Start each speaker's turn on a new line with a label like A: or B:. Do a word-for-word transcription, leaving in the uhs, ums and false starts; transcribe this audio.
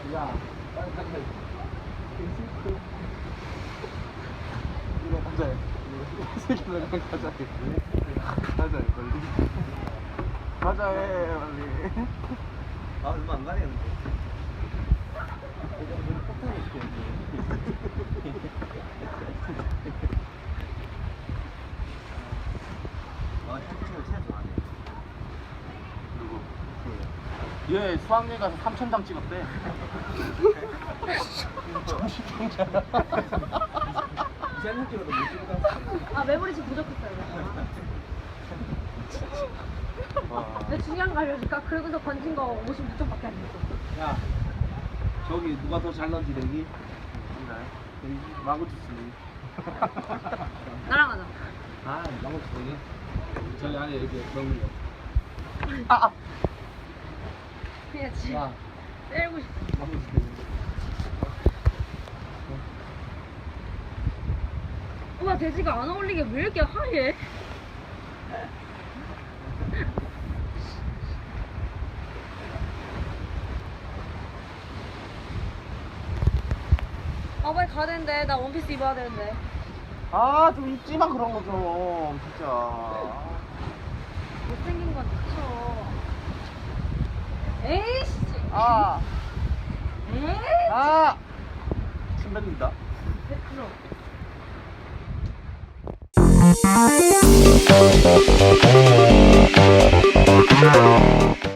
A: 야, 빨리 가자. 이거 가자. 이 새끼들 그냥 가자. 가자, 빨리. 가자, 해, 빨리.
B: 아 얼마 안 가네는데.
A: 폭탄이 있겠지.
B: 아 현진이가 진짜 좋아하네.
A: 누구? 얘 수학여행 가서 삼천 장 찍었대. 정신병자야.
B: 이상한 찍어도 못 찍었다.
C: 아 메모리 좀 부족했어요.
A: 와.
C: 근데 중요한 거 알려줄까? 그러고서 건진 거 오십육 점밖에 안 됐어.
B: 야 저기 누가 더 잘 넣는지 내기.
A: 마구 주스.
C: 나랑 하자.
B: 아 나무 주둥이. 저기 안에 이렇게 넣는 거.
A: 아, 아.
C: 그냥 지
B: 야
C: 때리고 싶어.
B: 나무 주둥이.
C: 우와 돼지가 안 어울리게 왜 이렇게 하얘? 아 빨리 가야 되는데 나 원피스 입어야 되는데.
A: 아, 좀 입지 마, 그런 거 좀. 진짜.
C: 못생긴 건 그쵸. 에이씨.
A: 아,
C: 에이.
A: 아! 침 뱉는다.
C: 네, 그럼.
D: Thank you.